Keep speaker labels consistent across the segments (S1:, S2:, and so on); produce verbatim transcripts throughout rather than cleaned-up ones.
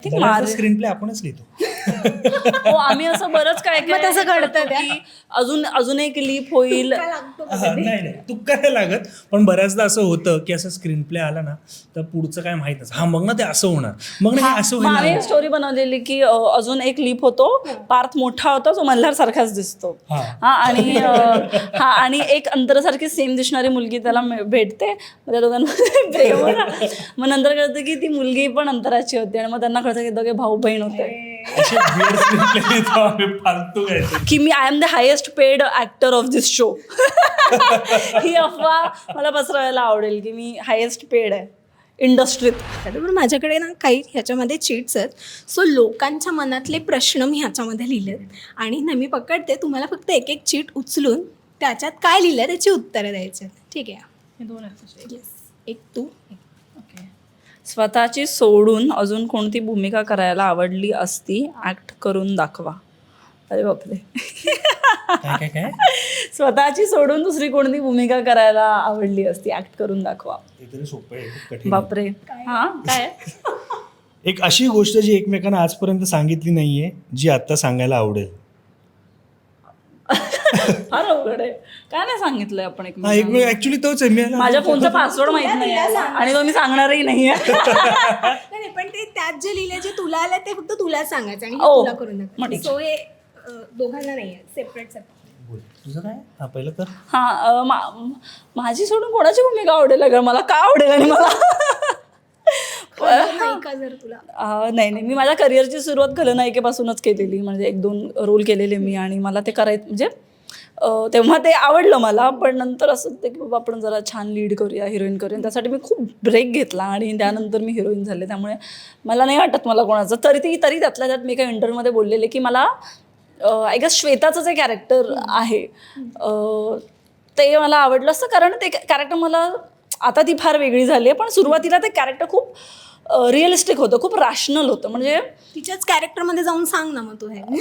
S1: Screen screenplay आपणच लिहितो.
S2: हो, आम्ही असं बरंच काय काय
S3: तसं घडतं
S2: की अजून अजून एक लीप होईल.
S1: नाही नाही तू काय लागत, पण बऱ्याचदा असं होतं की असं स्क्रीन प्ले आला ना तर पुढचं काय माहित नसतं. हा मग ना ते असं होणार, मग ना हे असं
S2: मग आम्ही
S1: होईल.
S2: स्टोरी बनवलेली की अ, अजून एक लीप होतो, पार्थ मोठा होता जो मल्हार सारखाच दिसतो.
S1: हा.
S2: हा आणि अ, हा आणि एक अंतरासारखी सेम दिसणारी मुलगी त्याला मिळ- भेटते. मग त्या दोघांमध्ये प्रेम होतं. मग नंतर कळतं की ती मुलगी पण अंतराची होती आणि मग त्यांना कळतं की दोघे भाऊ बहीण होते.
S1: असे weird screen play लिहितो आम्ही, फालतू काहीतरी.
S2: की मी I am the highest paid actor of this show. ही अफवा मला पसरवायला आवडेल की मी हायेस्ट पेड आहे इंडस्ट्रीत.
S3: पण माझ्याकडे ना काही ह्याच्यामध्ये चीट्स आहेत. सो लोकांच्या मनातले प्रश्न मी ह्याच्यामध्ये लिहिलेत आणि ना मी पकडते, तुम्हाला फक्त एक एक चीट उचलून त्याच्यात काय लिहिलं त्याची उत्तरं द्यायची. ठीक आहे? येस, एक तू.
S2: स्वतःची सोडून अजून कोणती भूमिका करायला आवडली असती, ऍक्ट करून दाखवा. अरे बापरे.
S1: काय काय काय
S2: स्वतःची सोडून दुसरी कोणती भूमिका करायला आवडली असती, ऍक्ट करून दाखवा.
S1: ते तरी सोपं आहे, खूप कठीण आहे.
S2: बापरे. हा काय
S1: एक अशी गोष्ट जी एकमेकांना आजपर्यंत सांगितली नाहीये जी आता सांगायला आवडेल.
S2: फार अवघड आहे. काय नाही सांगितलंय आपण एक
S1: हा एक ऍक्च्युली तोच आहे. मी
S2: माझ्या फोनचा पासवर्ड माहित नाही आहे आणि तो मी सांगणारही नाहीये.
S3: नाही पण ते त्यात जे लिहिले जे तुला आलं ते फक्त तुला सांगायचं आणि हे
S2: ओ,
S3: तुला करून
S2: मग
S3: दाखवायचं.
S2: ठीक.
S3: सो हे अ, दोघांना नाही आहे, सेपरेट सेपरेट.
S1: बोल, तुझं काय? हा पहिलं कर.
S2: हा अ, मा- माझी सोडून कोणाची भूमिका आवडेल अगं, मला का आवडेल आणि मला
S3: नाही का जर तुला
S2: अ, नाही नाही मी माझ्या करिअरची सुरुवात खलनायिकेपासूनच केलेली. म्हणजे एक दोन रोल केलेले मी आणि मला ते करायचं म्हणजे अ, तेव्हा ते आवडलं मला. पण नंतर असं होतं की बाबा आपण जरा छान लीड करूया, हिरोईन करूया. त्यासाठी मी खूप ब्रेक घेतला आणि त्यानंतर मी हिरोईन झाले. त्यामुळे मला नाही वाटत मला कोणाचं. तरी ती तरी त्यातल्या त्यात मी काही इंटरव्ह्यूमध्ये बोललेले की मला आय गेस श्वेताचं जे कॅरेक्टर आहे अ, ते मला आवडलं असतं. कारण ते कॅरेक्टर मला, आता ती फार वेगळी झाली आहे पण सुरुवातीला ते कॅरेक्टर खूप रिअलिस्टिक होतं, खूप रॅशनल होतं. म्हणजे
S3: तिच्याच कॅरेक्टरमध्ये जाऊन सांग ना मग तू हे.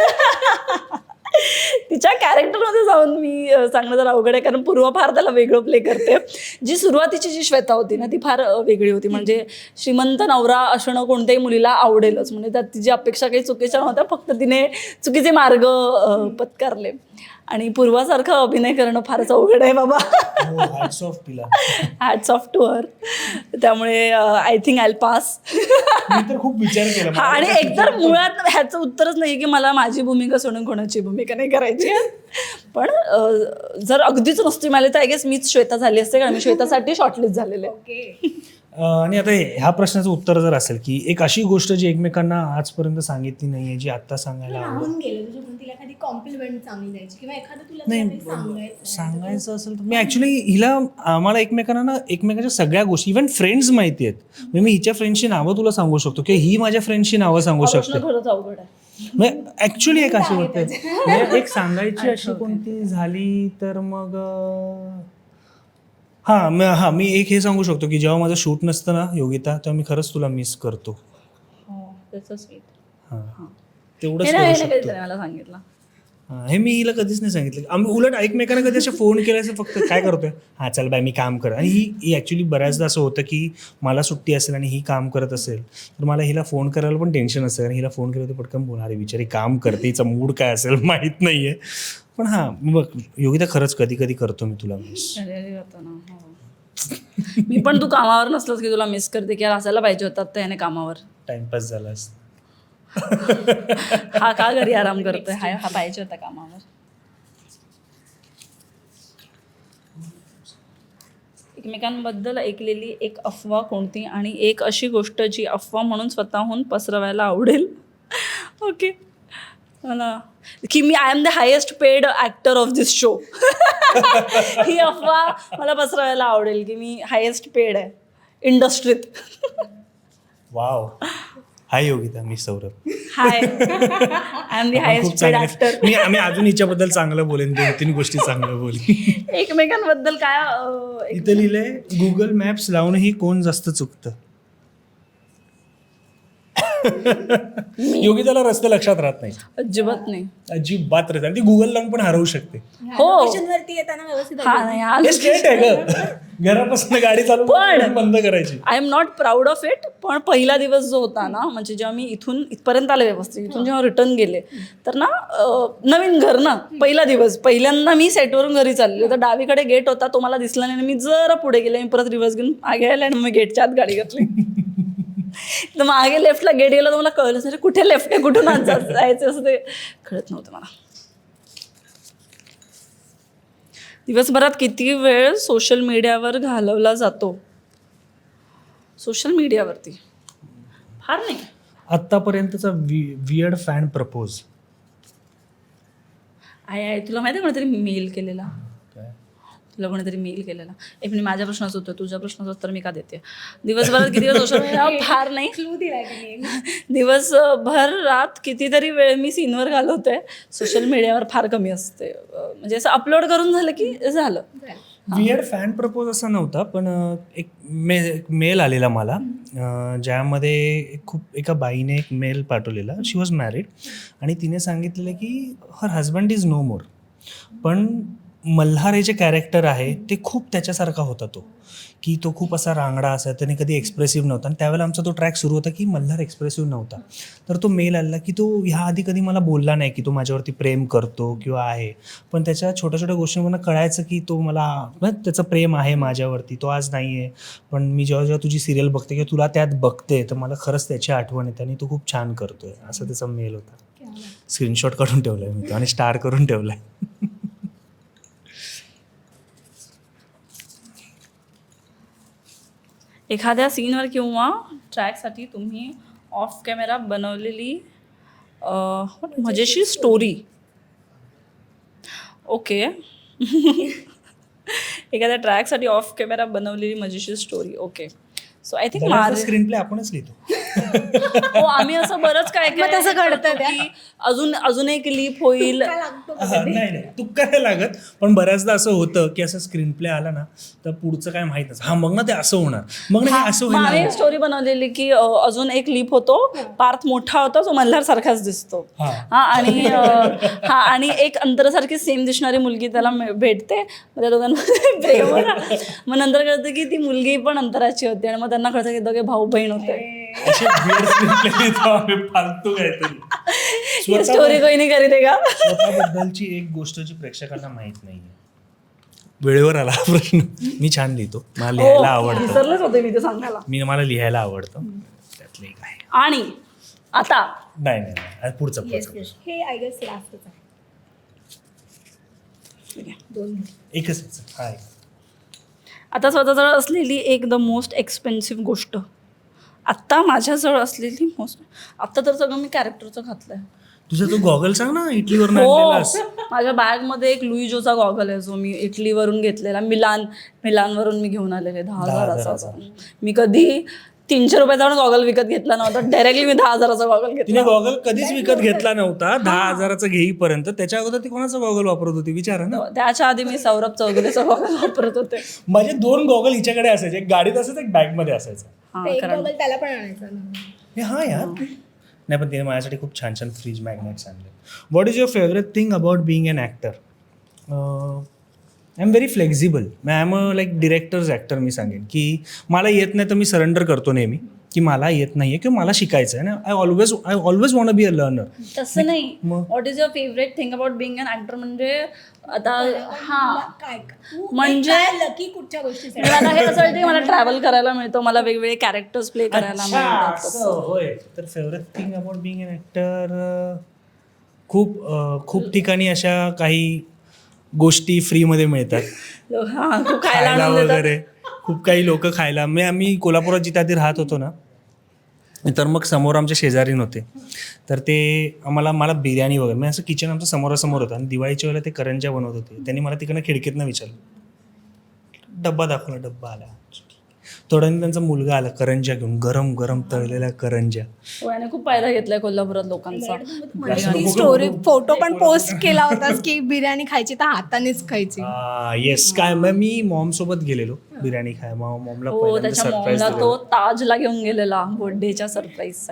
S2: तिच्या कॅरेक्टरमध्ये जाऊन मी अ, सांगणं जरा अवघड आहे कारण पूर्वा फार त्याला वेगळं प्ले करते. जी सुरुवातीची जी श्वेता होती ना ती फार अ, वेगळी होती. म्हणजे श्रीमंत नवरा असणं कोणत्याही मुलीला आवडेलच. म्हणजे त्यात तिची अपेक्षा काही चुकीच्या नव्हत्या, फक्त तिने चुकीचे मार्ग अ, पत्कारले. आणि पूर्वासारखं अभिनय करणं फारच अवघड आहे बाबा.
S1: हो, hats off तिला.
S2: Hats off to her. त्यामुळे आय थिंक आय पास.
S1: मी तर खूप विचार केला.
S2: हा आणि एकतर मुळात ह्याचं उत्तरच नाही की मला माझी भूमिका सोडून कोणाची भूमिका नाही करायची. पण अ, जर अगदीच नसती मला तर आय गेस मीच श्वेता झाली असते कारण मी श्वेतासाठी शॉर्टलिस्ट झालेले.
S3: ओके.
S1: अं, आणि आता हे- ह्या प्रश्नाचं उत्तर जर असेल की एक अशी गोष्ट जी एकमेकांना आजपर्यंत सांगितली नाहीये जी आता सांगायला आवडेल.
S3: राहून गेलं म्हणजे पण तिला एखादी कॉम्प्लिमेंट चांगली द्यायची किंवा एखादं तुला
S1: नाही
S3: काहीतरी सांगायचं
S1: सांगायचं असेल तर मी ऍक्च्युली हिला आम्हाला एकमेकांना ना एकमेकांच्या सगळ्या गोष्टी इव्हन फ्रेंड्स माहिती आहेत. म्हणजे मी हिच्या फ्रेंडची नावं तुला सांगू शकतो किंवा ही माझ्या फ्रेंडची नावं सांगू शकते.
S2: खरंच अवघड आहे.
S1: म्हणजे ऍक्च्युली एक अशी होते म्हणजे एक सांगायची अशी कोणती झाली तर मग अं, हा म- हा मी एक हे सांगू शकतो की जेव्हा माझं शूट नसतं ना योगिता तेव्हा मी खरंच तुला मिस करतो.
S2: त्याचं स्वीट.
S1: हा तेवढंच
S2: हे
S1: करू
S2: नाही
S1: शकतो.
S2: कधीतरी मला सांगितलं.
S1: हा, हे मी हिला कधीच नाही सांगितलं. आम्ही उलट एकमेकांना कधी असे फोन केले असं फक्त काय करतोय हा चल बाय मी काम कर. आणि ही ही ॲक्च्युली बऱ्याचदा असं होतं की मला सुट्टी असेल आणि ही काम करत असेल तर मला हिला फोन करायला पण टेन्शन असेल. आणि हिला फोन केलं तर पटकन बोल अरे बिचारी काम करते, हिचा मूड काय असेल माहीत नाही आहे. पण हां बघ योगिता खरंच कधी कधी करतो मी तुला मिस.
S2: अरे अरे होतं ना. हो. मी पण तू कामावर नसलंस की तुला मिस करते की यार असायला पाहिजे होतात तर याने कामावर.
S1: टाइमपास झाला असता.
S2: हा का घरी आराम करतोय, हा हा पाहिजे होता कामावर. एकमेकांबद्दल ऐकलेली एक अफवा कोणती आणि एक अशी गोष्ट जी अफवा म्हणून स्वतःहून पसरवायला आवडेल. ओके मला की मी I am the highest paid actor of this show. ही अफवा मला पसरवायला आवडेल की मी हायेस्ट पेड आहे इंडस्ट्रीत.
S1: वाव. हाय योगिता, मी Saurabh.
S2: Hi I am the
S1: आपण खूप
S2: हायेस्ट पेड
S1: चांगले
S2: ऍक्टर.
S1: मी आम्ही अजून हिच्याबद्दल चांगलं बोलेन, दोन तीन गोष्टी चांगलं बोलेन.
S2: एकमेकांबद्दल काय अं, एक-
S1: इथे लिहिलंय गुगल मॅप्स लावूनही कोण जास्त चुकतं. योगिताला रस्ते लक्षात राहत नाही,
S2: अजिबात नाही.
S1: अजिबात राहत, आणि ती गुगल लावून पण हरवू शकते.
S2: हो.
S3: वरती येताना व्यवस्थित
S2: हा नाही
S1: हे
S2: आलं.
S1: स्ट्रेट आहे ग, घरापासून गाडी चालू
S2: पण-
S1: बंद करायची.
S2: I am not proud of it. पण पहिला दिवस जो होता ना, म्हणजे जेव्हा मी इथून इथपर्यंत आले व्यवस्थित, इथून जेव्हा रिटर्न गेले तर ना अं, नवीन घर ना, पहिला दिवस, पहिल्यांदा मी सेटवरून घरी चालले तर डावीकडे गेट होता, तो मला दिसला नाही. मी जरा पुढे गेले, मी परत रिव्हर्स घेऊन मागे आले आणि मी गेटच्या आत गाडी घातली. तर मागे लेफ्टला गेट गेला तर मला कळलं अरे कुठे लेफ्ट आहे, कुठून आत जा- जायचं असं ते कळत नव्हतं मला. दिवसभरात किती वेळ सोशल मीडियावर घालवला जातो? सोशल मीडियावरती फार नाही.
S1: आतापर्यंतचा वियर्ड फॅन प्रपोज.
S2: आहे आहे तुला माहिती आहे कोणीतरी मेल केलेला? तुला कोणीतरी मेल केलेला? एक मिनिट, माझ्या प्रश्नाचं उत्तर, तुझ्या प्रश्नाचं उत्तर मी का देते? दिवसभरात किती वेळ सोशल मीडिया? फार नाही.
S3: क्लू दिलाय तुम्ही.
S2: दिवसभर रात कितीतरी वेळ मी सीनवर घालवते. सोशल मीडियावर फार कमी असते. अं, म्हणजे असं अपलोड करून झालं की झालं.
S1: वियर्ड फॅन प्रपोज असा नव्हता, पण अं, एक मे मेल आलेला मला, अं, ज्यामध्ये एक खूप एका बाईने एक मेल पाठवलेला. शी वॉज मॅरिड आणि तिने सांगितलेलं की her husband is no more, पण मल्हार हे जे कॅरेक्टर आहे ते खूप त्याच्यासारखा होता. तो की तो खूप असा रांगडा असा, त्याने कधी एक्सप्रेसिव्ह नव्हता. आणि त्यावेळेला आमचा तो ट्रॅक सुरू होता की मल्हार एक्सप्रेसिव्ह नव्हता. तर तो मेल आला की तो ह्या आधी कधी मला बोलला नाही की तो माझ्यावरती प्रेम करतो किंवा आहे, पण त्याच्या छोट्या छोट्या गोष्टींना कळायचं की तो मला म्हणजे त्याचं प्रेम आहे माझ्यावरती. तो आज नाही आहे, पण मी जेव्हा जेव्हा तुझी सिरियल बघते किंवा तुला त्यात बघते तर मला खरंच त्याची आठवण येते आणि तो खूप छान करतोय, असा त्याचा मेल होता. स्क्रीनशॉट काढून ठेवलाय मी तो आणि स्टार करून ठेवलाय.
S2: एखाद्या सीनवर किंवा ट्रॅकसाठी तुम्ही ऑफ कॅमेरा बनवलेली अं, मजेशीर स्टोरी. ओके. एखाद्या ट्रॅकसाठी ऑफ कॅमेरा बनवलेली मजेशीर story. Okay. So I think माझं
S1: स्क्रीन प्ले आपणच लिहितो.
S2: हो, आम्ही असं बरंच काय
S3: मग तसं
S2: काय
S3: घडतं
S2: करतो की अजून अजून एक लीप होईल.
S3: काय लागतो का?
S1: हा, नाही नाही तू काय लागत, पण बऱ्याचदा असं होतं की असं स्क्रीन प्ले आला ना तर पुढचं काय माहित नसतं. हा मग ना ते असं होणार, मग ना हे असं
S2: मग आम्ही
S1: होईल.
S2: स्टोरी बनवलेली की अ, अजून एक लीप होतो, पार्थ मोठा होता, जो मल्हार सारखाच दिसतो.
S1: हा.
S2: हा आणि अ, हा आणि एक अंतरासारखी सेम दिसणारी मुलगी त्याला मिळ- भेटते. मग त्या दोघांमध्ये प्रेम होतं. मग नंतर कळतं की ती मुलगी पण अंतराची होती आणि मग त्यांना कळतं की दोघे भाऊ बहीण होते.
S1: असे weird screen play लिहितो आम्ही, फालतू काहीतरी.
S2: ही स्टोरी कोणी नाही करीत आहे का?
S1: स्वतःबद्दलची एक गोष्ट जी प्रेक्षकांना माहित नाहीये. वेळेवर आला हा प्रश्न. मी छान लिहितो, मला लिहायला
S2: हो,
S1: आवडतं.
S2: विसरलेच होते मी ते सांगायला.
S1: मी मला लिहायला आवडतं, त्यातलं एक आहे.
S2: आणि आता
S1: नाही नाही नाही. आता पुढचं
S3: Yes,
S1: पुढचं
S3: yes. हे आय गेस लास्टच आहे. दोन
S1: एकच आहे. हा एक.
S2: आता स्वतःजवळ असलेली एक द मोस्ट एक्सपेन्सिव्ह गोष्ट. आत्ता माझ्याजवळ असलेली मोस्ट, आत्ता तर सगळं मी कॅरेक्टरचं घातलंय.
S1: तुझा तो गॉगल सांग ना, इटलीवर
S2: हो,
S1: आणलेलास.
S2: माझ्या बॅगमध्ये एक लुईजोचा गॉगल आहे, जो मी इटलीवरून घेतलेला. मिलान मिलानवरून मी घेऊन आलेले दहा
S1: दहा
S2: हजाराचा.
S1: हजाराचा.
S2: मी कधी तीनशे रुपयाचा गॉगल विकत घेतला नव्हता. डायरेक्टली मी दहा हजाराचा गॉगल
S1: तिने
S2: घेतला.
S1: गॉगल कधीच विकत घेतला नव्हता दहा हजाराचा घेईपर्यंत. त्याच्या अगोदर ती कोणाचा गॉगल वापरत होती विचारा ना.
S2: त्याच्या आधी मी सौरभ चौगुलेचा गॉगल वापरत होते.
S1: माझे दोन गॉगल हिच्याकडे असायचे, एक गाडीत असायचं, एक बॅग मध्ये असायचं.
S2: हा,
S3: एक
S2: कारण
S3: गॉगल त्याला पण आणायचा ना.
S1: हे हा यार. नाही पण तिने माझ्यासाठी खूप छान छान फ्रीज मॅग्नेट्स आणले. What is your favourite thing about being an actor? I am very flexible. I am a like directors actor. मी सांगेन की मला येत नाही तर मी सरेंडर करतो नेहमी की मला येत नाहीये किंवा मला शिकायचं आहे ना. I always I always want be a learner.
S2: तसं नाही.
S1: मग?
S2: What is your favourite thing about being an actor म्हणजे आता हा
S3: काय
S2: म्हणजे-
S3: म्हणजे लकी कुठच्या गोष्टीसाठी?
S2: मला आता हे कसं वाटतं की मला ट्रॅव्हल करायला मिळतं, मला वेगवेगळे कॅरेक्टर्स प्ले करायला मिळतात.
S1: असं होय. तर favourite thing about being an actor, खूप अं, खूप ठिकाणी अशा काही गोष्टी फ्रीमध्ये मिळतात.
S2: हा, तू खायला
S1: खायला
S2: आणून देतात.
S1: वगैरे खूप काही लोक खायला. मी आम्ही कोल्हापुरात जिथे आधी राहत होतो ना, तर मग समोर आमचे शेजारीन होते. तर ते आम्हाला मला बिर्याणी वगैरे, मी असं किचन आमचं समोरासमोर होतं आणि दिवाळीच्या वेळेला ते करंज्या बनवत होते. त्यांनी मला तिकडनं खिडकीतनं विचारलं, डब्बा दाखवला, डब्बा आला. थोड्याने त्यांचा मुलगा आला करंज्या घेऊन, गरम गरम तळलेल्या करंज्या.
S2: हो, याने खूप फायदा घेतलाय कोल्हापुरात लोकांचा.
S3: ती स्टोरी फोटो पण पोस्ट केला होतास की बिर्याणी खायची तर हातानेच खायची.
S1: येस. काय मग मी मॉम सोबत गेलेलो बिर्याणी खाय. मॉमला
S2: हो,
S1: पहिल्यांदा
S2: त्याच्या
S1: सरप्राईज
S2: मॉमला
S1: दिलेलं.
S2: तो ताजला घेऊन गेलेला बर्थडेच्या सरप्राईज साठी.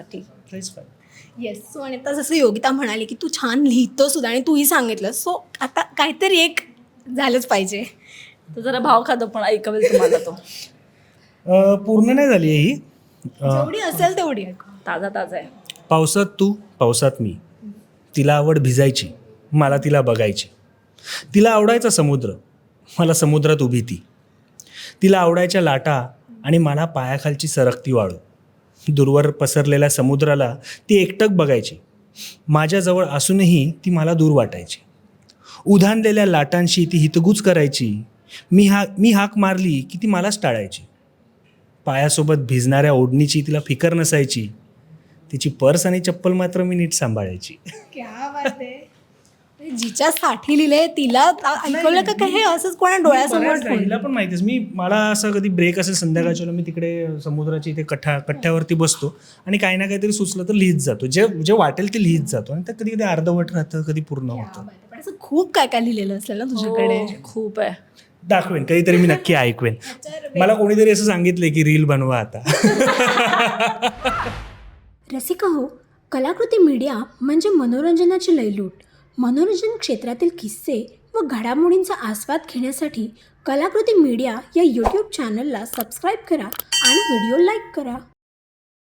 S1: It's fine.
S3: येस. सो आणि आता जसं योगिता म्हणाली की तू छान लिहितो सुद्धा आणि तूही सांगितलं, सो आता काहीतरी एक झालंच पाहिजे.
S2: तो जरा भाव खातो पण ऐकवेल तुम्हाला तो.
S1: पूर्ण नाही झाली आहे ही. अ,
S3: जेवढी असेल तेवढी ऐकू.
S2: ताजा ताजा आहे.
S1: पावसात तू पावसात मी, तिला आवड भिजायची, मला तिला बघायची. तिला आवडायचा समुद्र, मला समुद्रात उभी ती. तिला आवडायच्या लाटा आणि मला पायाखालची सरकती वाळू. दूरवर पसरलेल्या समुद्राला ती एकटक बघायची. माझ्याजवळ असूनही ती मला दूर वाटायची. उधाणलेल्या लाटांशी ती हितगुज करायची. मी हा मी हाक मारली की ती मलाच टाळायची. पायासोबत भिजणाऱ्या ओढणीची तिला फिकर नसायची. तिची पर्स आणि चप्पल मात्र मी नीट सांभाळायची.
S3: क्या बात आहे. जिच्या साठी लिहिलंय तिला ऐकवलं का काय हे असंच कोणा डोळ्यासमोर
S1: बऱ्याच हिला पण माहितीच. मी मला असं कधी ब्रेक असेल संध्याकाळच्या वेळेला मी तिकडे समुद्राच्या इथे कठ्ठा कट्ट्यावरती बसतो आणि काही ना काहीतरी सुचलं तर लिहित जातो. जे जे वाटेल ते लिहित जातो आणि ते कधी कधी अर्धवट राहतं, कधी पूर्ण होतं.
S3: पण असं खूप काय काय लिहिलेलं असलं ना तुझ्याकडे.
S2: हो, खूप आहे.
S1: दाखवेन कधीतरी, मी नक्की ऐकवेन. मला कोणीतरी असं सांगितलंय की रील बनवा आता.
S4: रसिका हो, कलाकृती मीडिया म्हणजे मनोरंजनाची लयलूट. मनोरंजन क्षेत्रातील किस्से व घडामोडींचा आस्वाद घेण्यासाठी कलाकृती मीडिया या यूट्यूब चॅनलला सबस्क्राईब करा आणि व्हिडिओ लाईक करा.